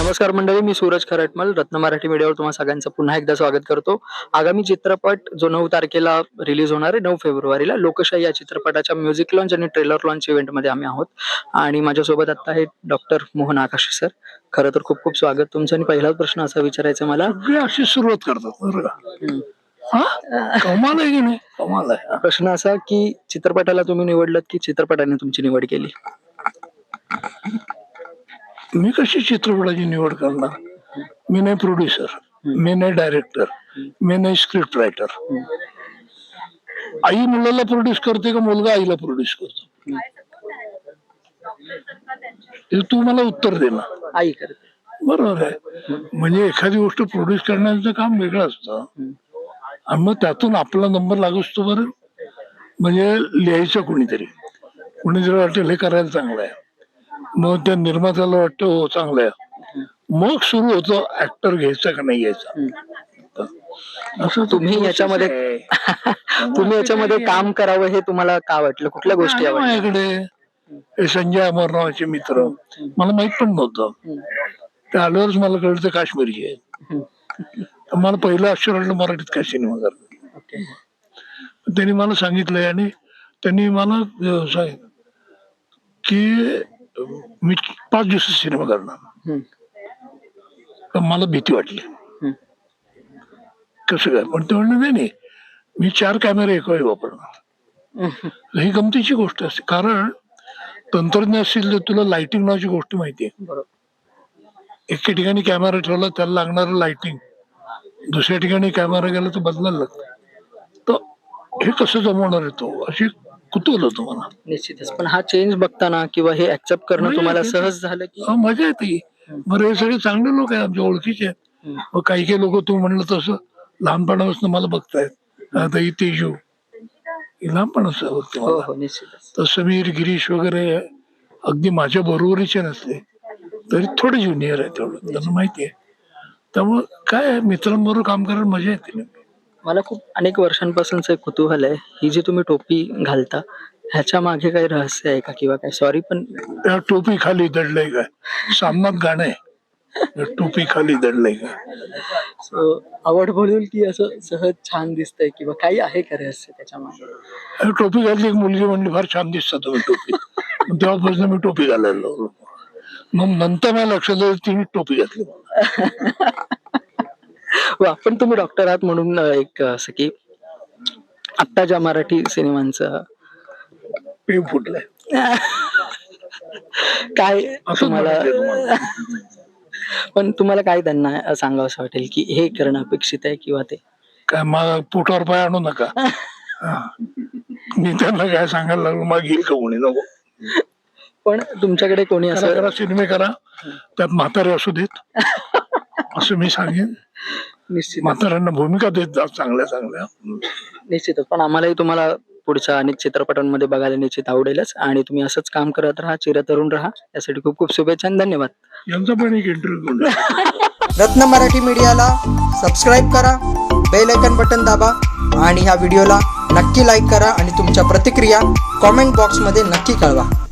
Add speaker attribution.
Speaker 1: नमस्कार मंडळी, मी सूरज खरटमल रत्न मराठी मीडियावर तुम्हा सगळ्यांचं पुन्हा एकदा स्वागत करतो. आगामी चित्रपट जो 9 तारखेला रिलीज होणार आहे, 9 फेब्रुवारीला लोकशाही या चित्रपटाच्या म्युझिक लॉन्च आणि ट्रेलर लॉन्च इव्हेंटमध्ये आम्ही आहोत आणि माझ्यासोबत आता आहे डॉक्टर मोहन आकाशे सर. खरं तर खूप खूप स्वागत तुमचं. आणि पहिलाच प्रश्न असा विचारायचा आहे मला,
Speaker 2: सगळे अशी सुरुवात करतात बरं का. हा कमाल आहे की नाही, कमाल आहे.
Speaker 1: प्रश्न असा की चित्रपटाला तुम्ही निवडलं की चित्रपटाने तुमची निवड केली?
Speaker 2: मी कशी चित्रपटाची निवड करणार? मी नाही प्रोड्युसर, मी नाही डायरेक्टर, मी नाही स्क्रिप्ट रायटर. आई मुलाला प्रोड्यूस करते का मुलगा आईला प्रोड्यूस करतो? हे तू मला उत्तर दे ना.
Speaker 1: आई करते.
Speaker 2: बरोबर आहे. म्हणजे एखादी गोष्ट प्रोड्यूस करण्याचं काम वेगळं असतं आणि मग त्यातून आपला नंबर लागू असतो. बरं म्हणजे लिहायचं कुणीतरी वाटेल हे करायला चांगलं आहे, मग त्या निर्मात्याला वाटतं हो चांगलं आहे, मग सुरू होतं ऍक्टर घ्यायचा का नाही घ्यायचा. असं
Speaker 1: तुम्ही याच्यामध्ये तुम्ही याच्यामध्ये काम करावं हे तुम्हाला का वाटलं? कुठल्या गोष्टी आवडल्या?
Speaker 2: माझ्याकडे हे संजय अमर नावाचे मित्र, मला माहित पण नव्हतं, ते आल्यावरच मला कळलं ते काश्मीरचे आहेत. तर मला पहिलं अक्षर वाटलं मराठीत काय सिनेमा करतात. त्यांनी मला सांगितलंय आणि त्यांनी मला सांगितलं की मी 5 दिवसात सिनेमा करणार. तर मला भीती वाटली, कसं काय, पण ते म्हणलं नाही मी 4 कॅमेरे एका वेळी वापरणार. ही गमतीची गोष्ट असते, कारण तंत्रज्ञान असेल तर तुला लाइटिंग नावाची गोष्ट माहितीये. एके ठिकाणी कॅमेरा ठेवला त्याला लागणारं लाइटिंग, दुसऱ्या ठिकाणी कॅमेरा गेला तर बदलायला लागतं. तर हे कसं जमवणार आहे तो, अशी कुतूहल होतं मला.
Speaker 1: निश्चितच. पण हा चेंज बघताना किंवा हे ऍक्सेप्ट करणं तुम्हाला सहज झालं की?
Speaker 2: मजा येते. बरं हे सगळे चांगले लोक आहेत, आमच्या ओळखीचे आहेत. मग काही लोक तू म्हणलं तसं लहानपणापासून मला बघतायत. आता ही तेजू ही लहानपणापासून बघते मला. तर समीर गिरीश वगैरे अगदी माझ्या बरोबरीचे नसते तरी थोडे ज्युनियर आहे, तेवढं त्यांना माहिती आहे. त्यामुळं काय मित्रांबरोबर काम करायला मजा येते.
Speaker 1: मला खूप अनेक वर्षांपासूनच एक कुतूहल आहे, ही जी तुम्ही टोपी घालता ह्याच्या मागे काही रहस्य आहे का किंवा काय? सॉरी पण
Speaker 2: त्या टोपी खाली दडलंय काय, सामनात गाणं आहे, टोपी खाली दडलंय काय.
Speaker 1: आवड बोलून की असं सहज छान दिसतंय किंवा काही आहे का रहस्य त्याच्या मागे?
Speaker 2: टोपी घातली, एक मुलगी म्हणली फार छान दिसता तुम्ही टोपी. तेव्हापासून मी टोपी घालायला लागलो. मग नंतर मला लक्षात आलं तिने टोपी घातली.
Speaker 1: पण तुम्ही डॉक्टर आहात म्हणून एक असं की आत्ता ज्या मराठी सिनेमांचं
Speaker 2: पेव फुटलंय
Speaker 1: काय तुम्हाला, पण तुम्हाला काय त्यांना सांगावं असं वाटेल की हे करणं अपेक्षित आहे किंवा ते
Speaker 2: काय मला पोटावर पाय आणू नका. मी त्यांना काय सांगायला लागलो, मग घेईल का कोणी नको.
Speaker 1: पण तुमच्याकडे कोणी असं
Speaker 2: करा सिनेमे करा, त्यात म्हातारे असू देत असं मी सांगेन.
Speaker 1: निश्चित
Speaker 2: म्हाताऱ्यांना भूमिका देत जा चांगल्या चांगल्या.
Speaker 1: निश्चितच. पण आम्हालाही तुम्हाला पुढच्या अनेक चित्रपटांमध्ये बघायला निश्चित आवडेलच आणि तुम्ही असंच काम करत राहा, चिरतरुण राहा. यासाठी खूप खूप शुभेच्छा आणि धन्यवाद.
Speaker 2: यांचा पण एक इंटरव्ह्यू.
Speaker 3: रत्न मराठी मीडियाला सबस्क्राईब करा, बेल आयकॉन बटन दाबा आणि ह्या व्हिडिओला नक्की लाईक करा आणि तुमच्या प्रतिक्रिया कॉमेंट बॉक्समध्ये नक्की कळवा.